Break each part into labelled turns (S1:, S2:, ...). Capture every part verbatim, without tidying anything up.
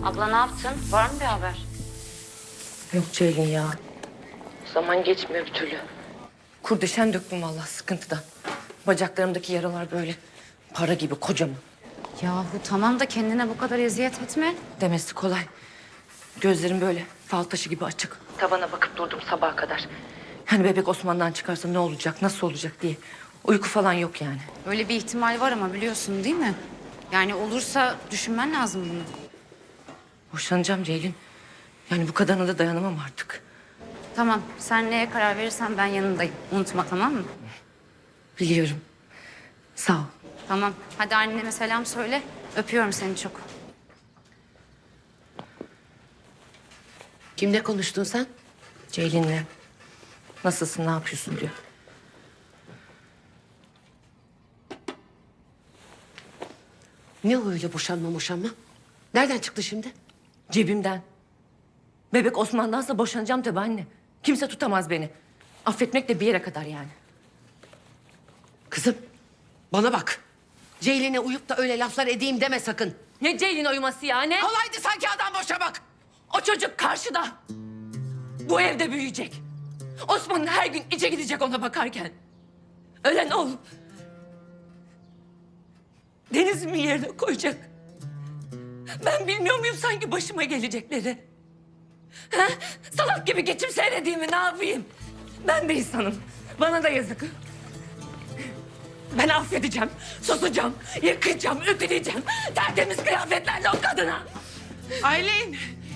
S1: Abla ne yaptın? Var mı bir haber?
S2: Yok Ceylin ya. Zaman geçmiyor bir türlü. Kurdeşen döktüm vallahi sıkıntıdan. Bacaklarımdaki yaralar böyle para gibi kocaman.
S1: Yahu tamam da kendine bu kadar eziyet etme.
S2: Demesi kolay. Gözlerim böyle fal taşı gibi açık. Tavana bakıp durdum sabaha kadar. Hani bebek Osman'dan çıkarsa ne olacak, nasıl olacak diye. Uyku falan yok yani.
S1: Öyle bir ihtimal var ama biliyorsun değil mi? Yani olursa düşünmen lazım bunu.
S2: Boşanacağım Ceylin. Yani bu kadarına da dayanamam artık.
S1: Tamam, sen neye karar verirsen ben yanındayım. Unutma, tamam mı?
S2: Biliyorum. Sağ ol.
S1: Tamam, hadi anneme selam söyle. Öpüyorum seni çok.
S3: Kimle konuştun sen?
S2: Ceylin'le. Nasılsın, ne yapıyorsun diyor.
S3: Ne o öyle boşanma boşanma? Nereden çıktı şimdi?
S2: Cebimden. Bebek Osman'dansa boşanacağım tabii anne. Kimse tutamaz beni. Affetmek de bir yere kadar yani.
S3: Kızım bana bak. Ceylin'e uyup da öyle laflar edeyim deme sakın.
S2: Ne Ceylin uyuması ya ne?
S3: Kolaydı sanki adam boşamak.
S2: O çocuk karşıda. Bu evde büyüyecek. Osman her gün içe gidecek ona bakarken. Ölen ol. Deniz'imin yerine koyacak. Ben bilmiyor muyum sanki başıma gelecekleri? Ha? Salak gibi geçim seyredeyim ne yapayım? Ben de insanım. Bana da yazık. Ben affedeceğim, susacağım, yıkayacağım, ütüleyeceğim. Tertemiz kıyafetlerle o kadına.
S3: Aylin.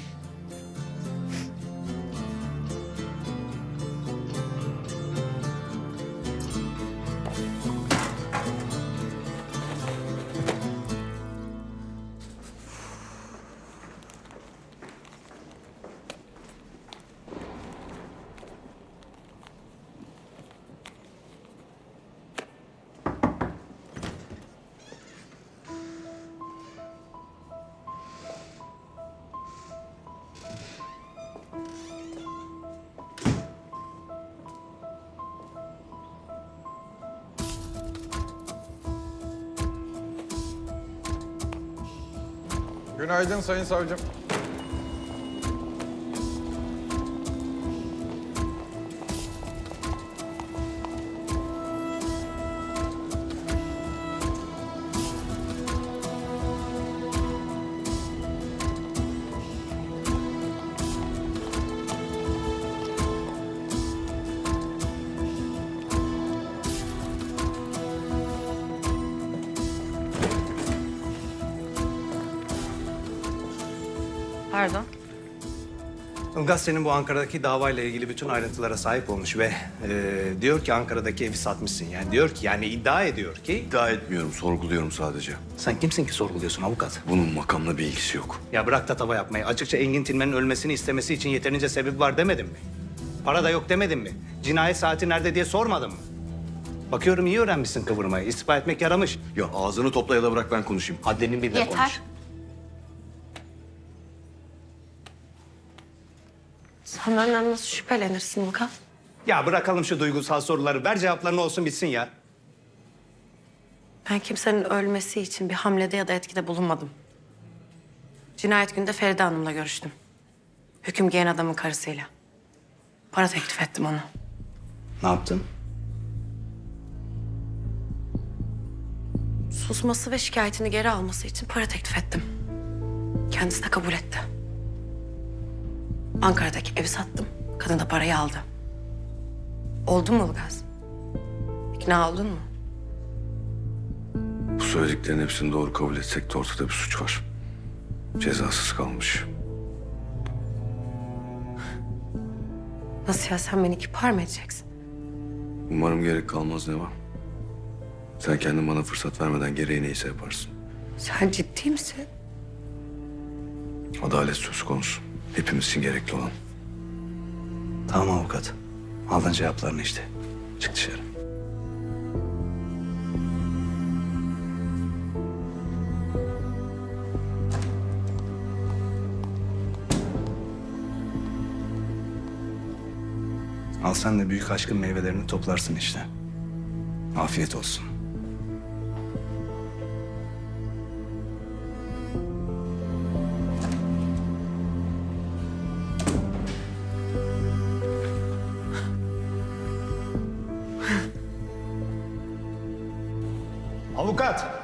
S4: Günaydın Sayın Savcım.
S2: Pardon.
S5: Ilgaz senin bu Ankara'daki davayla ilgili bütün ayrıntılara sahip olmuş ve e, diyor ki Ankara'daki evi satmışsın. Yani diyor ki yani iddia ediyor ki...
S6: İddia etmiyorum, sorguluyorum sadece.
S5: Sen kimsin ki sorguluyorsun avukat?
S6: Bunun makamla bir ilgisi yok.
S5: Ya bırak tatava yapmayı. Açıkça Engin Tilmen'in ölmesini istemesi için yeterince sebep var demedin mi? Para da yok demedin mi? Cinayet saati nerede diye sormadın mı? Bakıyorum iyi öğrenmişsin kıvırmayı. İstifa etmek yaramış.
S6: Ya ağzını topla ya da bırak ben konuşayım.
S5: Haddini bil de
S1: Yeter.
S5: konuş.
S7: Sen benden nasıl şüphelenirsin Ilgaz?
S5: Ya bırakalım şu duygusal soruları. Ver cevaplarını olsun bitsin ya.
S7: Ben kimsenin ölmesi için bir hamlede ya da etkide bulunmadım. Cinayet günde Feride Hanım'la görüştüm. Hüküm giyen adamın karısıyla. Para teklif ettim ona.
S5: Ne yaptın?
S7: Susması ve şikayetini geri alması için para teklif ettim. Kendisi de kabul etti. Ankara'daki evi sattım. Kadın da parayı aldı. Oldu mu Ilgaz? İkna oldun mu?
S6: Bu söylediklerin hepsini doğru kabul etsek de ortada bir suç var. Cezasız kalmış.
S7: Nasıl ya, sen beni kipar mı edeceksin?
S6: Umarım gerek kalmaz Neva. Sen kendin bana fırsat vermeden gereği neyse yaparsın.
S7: Sen ciddi misin?
S6: Adalet söz konusu. Hepimiz için gerekli olan.
S5: Tamam avukat. Aldın cevaplarını işte. Çık dışarı. Al sen de büyük aşkın meyvelerini toplarsın işte. Afiyet olsun. Avukat!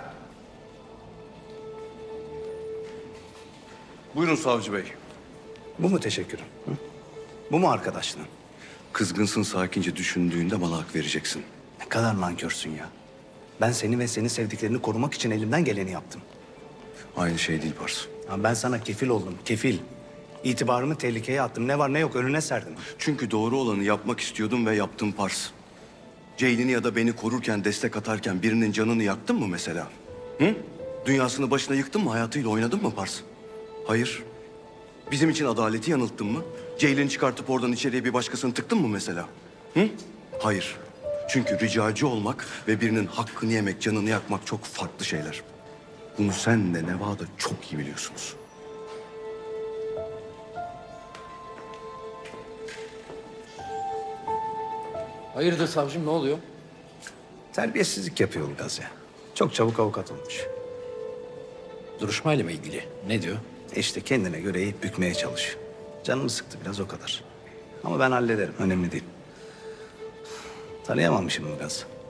S6: Buyurun savcı bey.
S5: Bu mu teşekkürüm? Hı? Bu mu arkadaşlığın?
S6: Kızgınsın, sakince düşündüğünde bana hak vereceksin.
S5: Ne kadar nankörsün ya. Ben seni ve seni sevdiklerini korumak için elimden geleni yaptım.
S6: Aynı şey değil Pars.
S5: Ya ben sana kefil oldum, kefil. İtibarımı tehlikeye attım. Ne var ne yok önüne serdim.
S6: Çünkü doğru olanı yapmak istiyordum ve yaptım Pars. Ceylin'i ya da beni korurken, destek atarken birinin canını yaktın mı mesela? Hı? Dünyasını başına yıktın mı, hayatıyla oynadın mı Pars? Hayır. Bizim için adaleti yanılttın mı? Ceylin'i çıkartıp oradan içeriye bir başkasını tıktın mı mesela? Hı? Hayır. Çünkü ricacı olmak ve birinin hakkını yemek, canını yakmak çok farklı şeyler. Bunu sen de Neva da çok iyi biliyorsunuz.
S8: Hayırdır savcım, ne oluyor?
S5: Terbiyesizlik yapıyor Ilgaz ya. Çok çabuk avukat olmuş.
S8: Duruşmayla mı ilgili? Ne diyor?
S5: İşte kendine göre eğip bükmeye çalışıyor. Canımı sıktı biraz o kadar. Ama ben hallederim. Önemli değil. Tanıyamamışım Ilgaz.